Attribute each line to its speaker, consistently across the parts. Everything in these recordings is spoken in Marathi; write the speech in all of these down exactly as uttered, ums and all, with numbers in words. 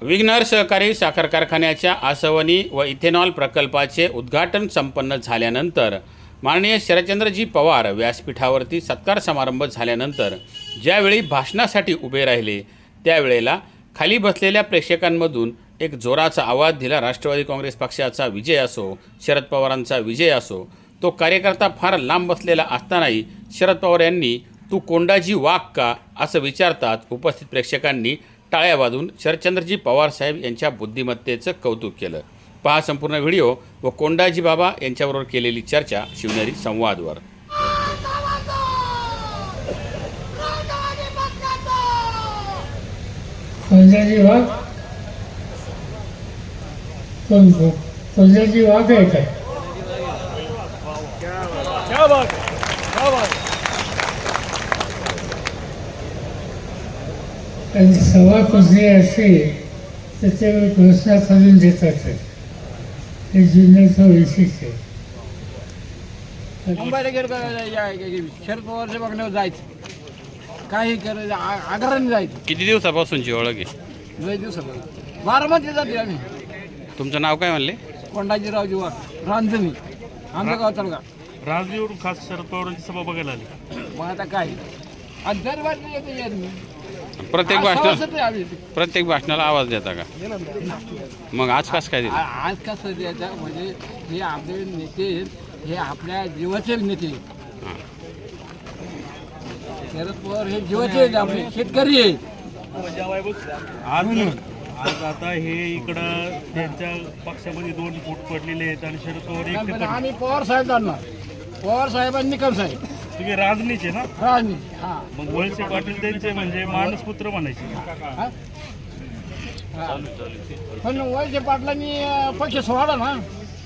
Speaker 1: विघ्नर सहकारी साखर कारखान्याच्या आसवनी व इथेनॉल प्रकल्पाचे उद्घाटन संपन्न झाल्यानंतर माननीय शरदचंद्रजी पवार व्यासपीठावरती सत्कार समारंभ झाल्यानंतर ज्यावेळी भाषणासाठी उभे राहिले त्यावेळेला खाली बसलेल्या प्रेक्षकांमधून एक जोराचा आवाज दिला. राष्ट्रवादी काँग्रेस पक्षाचा विजय असो, शरद पवारांचा विजय असो. तो कार्यकर्ता फार लांब बसलेला असतानाही शरद पवार यांनी तू कोंडाजी वाघ का असं विचारतात उपस्थित प्रेक्षकांनी टाळ्या वाजवून शरदचंद्रजी पवार साहेब यांच्या बुद्धिमत्तेचं कौतुक केलं. पहा संपूर्ण व्हिडिओ व कोंडाजी बाबा यांच्याबरोबर केलेली चर्चा शिवनेरी संवादवर.
Speaker 2: कोंडाजी वाघ कोण कोंडाजी वाघ आहे काय?
Speaker 3: क्या बात है, क्या बात है.
Speaker 2: आणि सभा कुठली अशी त्याच्यावर घोषणा करून देतात. हे जिल्ह्याचं वैशिष्ट्य आहे.
Speaker 3: मुंबईला गेलं का शरद पवारच्या बघण्यावर जायचं, काही करायचं, आग्रहाने जायचं.
Speaker 1: किती दिवसापासूनची ओळख आहे?
Speaker 3: लय दिवसापासून बारामती जाते आम्ही.
Speaker 1: तुमचं नाव काय म्हणले?
Speaker 3: कोंडाजीरावजी वाघ, रांजणी, आमचं गाव तळगाव.
Speaker 4: राजवीवरून खास शरद पवारांची सभा बघायला आली.
Speaker 3: मग आता काय आणि दरबार येते येत मी
Speaker 1: प्रत्येक
Speaker 3: आज
Speaker 1: भाषणात
Speaker 3: सभासद आहे आम्ही.
Speaker 1: प्रत्येक भाषणाला आवाज देता का? मग आज कसं काय दिलं?
Speaker 3: आ- आज कसं द्यायचं म्हणजे हे आपले नेते आहेत, हे आपल्या जीवाचे नेते आहेत.
Speaker 1: हां.
Speaker 3: शरद पवार हे जीवाचे आहेत, आपले शेतकरी आहेत.
Speaker 4: आज आज आता हे इकडं त्यांच्या पक्षामध्ये दोन फूट पडलेले आहेत आणि शरद पवार एकटे
Speaker 3: पण
Speaker 4: पडले.
Speaker 3: आम्ही पवार साहेब जाणणार, पवार साहेब आणि निकम साहेब
Speaker 4: तुम्ही राजनीचे ना,
Speaker 3: राजनीती. हा
Speaker 4: मग वळसे पाटील त्यांचे म्हणजे मानसपुत्र म्हणायचे.
Speaker 3: हा? हा. पण वळसे पाटलांनी अं, पक्ष सोडा ना.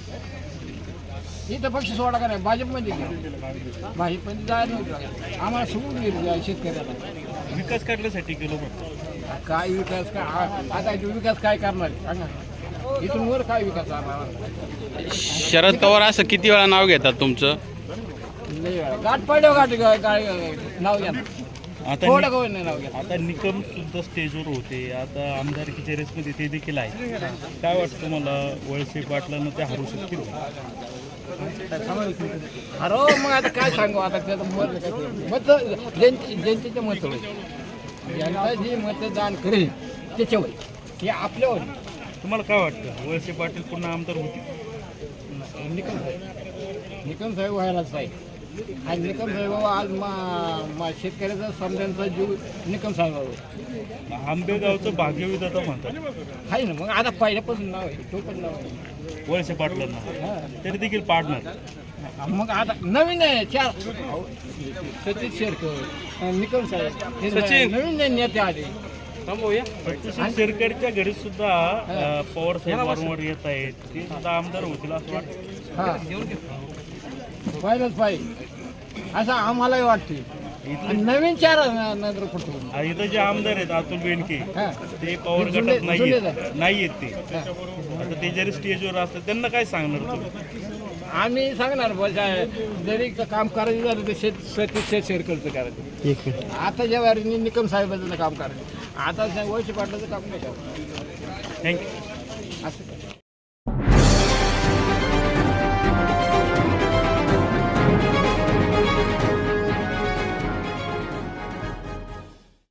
Speaker 3: इथं पक्ष सोडा का नाही, भाजपमध्ये गेला. भाजपमध्ये जायला नव्हतं, आम्हाला सोडून गेली शेतकऱ्याला.
Speaker 4: विकास करण्यासाठी गेलो होतो.
Speaker 3: काय विकास काय आ- आता इथं विकास काय करणार आहे? सांगा, इथून वर काय विकास करणार?
Speaker 1: शरद पवार असं किती वेळा नाव घेतात तुमचं?
Speaker 3: लय वेळा. गाठ पडल्यावर गाठ गा- गा- नाव घ्या ना.
Speaker 4: आता
Speaker 3: थोडं
Speaker 4: नि-
Speaker 3: कमी नाही नाव घ्या.
Speaker 4: आता निकम सुद्धा स्टेजवर होते, आता आमदारकीच्या रेसमध्ये ते देखील आहे. काय वाटतं तुम्हाला, वळसे पाटलांना ते हरू शकतील?
Speaker 3: अरे मग आता काय सांगू, आता त्याचं मत काय मत जनते जनतेचं मत होईल. जनता जे मतदान करेल त्याच्यावर, हे आपल्यावर.
Speaker 4: तुम्हाला काय वाटतं, वळसे पाटील पुन्हा आमदार होतील?
Speaker 3: निकम साहेब निकम साहेब व्हायलाच पाहिजे. आणि निकम साहेब आज मा मा शेतकऱ्याचा समजांचा जीव निकम साहेबावर
Speaker 4: आंबेगावचं भाग्यविधाता म्हणतात
Speaker 3: आहे ना. मग आता पहिल्यापासून नाव आहे, तो पण नाव आहे.
Speaker 4: वळसे पाटलांना,
Speaker 3: हा.
Speaker 4: तरी देखील पाडणार.
Speaker 3: मग आता नवीन आहे चार सचिन शेरकर, निकम साहेब हे
Speaker 4: सचिन.
Speaker 3: नवीन नेते आले.
Speaker 4: सचिन शेरकरच्या घरी सुद्धा अ, पवार साहेब वारंवार येत आहेत, ते सुद्धा आमदार होतील असं वाटतं.
Speaker 3: हा पाहिलंच पाहिजे असं आम्हालाही वाटते. आणि नवीन चार नंतर पडतो.
Speaker 4: आ, इथं जे आमदार आहेत अतुल बेनके,
Speaker 3: हा.
Speaker 4: ते पवार
Speaker 3: जुने-
Speaker 4: गटात नाही
Speaker 3: जुने
Speaker 4: आहेत नाही आहेत ते. आता ते जरी स्टेजवर असतात त्यांना काय सांगणार तुम्ही?
Speaker 3: आम्ही सांगणार बघा, जरी का- काम करायचं झालं तर शेत सतीश शेत शेरकरचं करायचं. आता ज्या वारीने निकम साहेबाचं काम करायचं, आता वळसे पाटलाचं काम नाही करायचं.
Speaker 4: थँक्यू.
Speaker 3: असं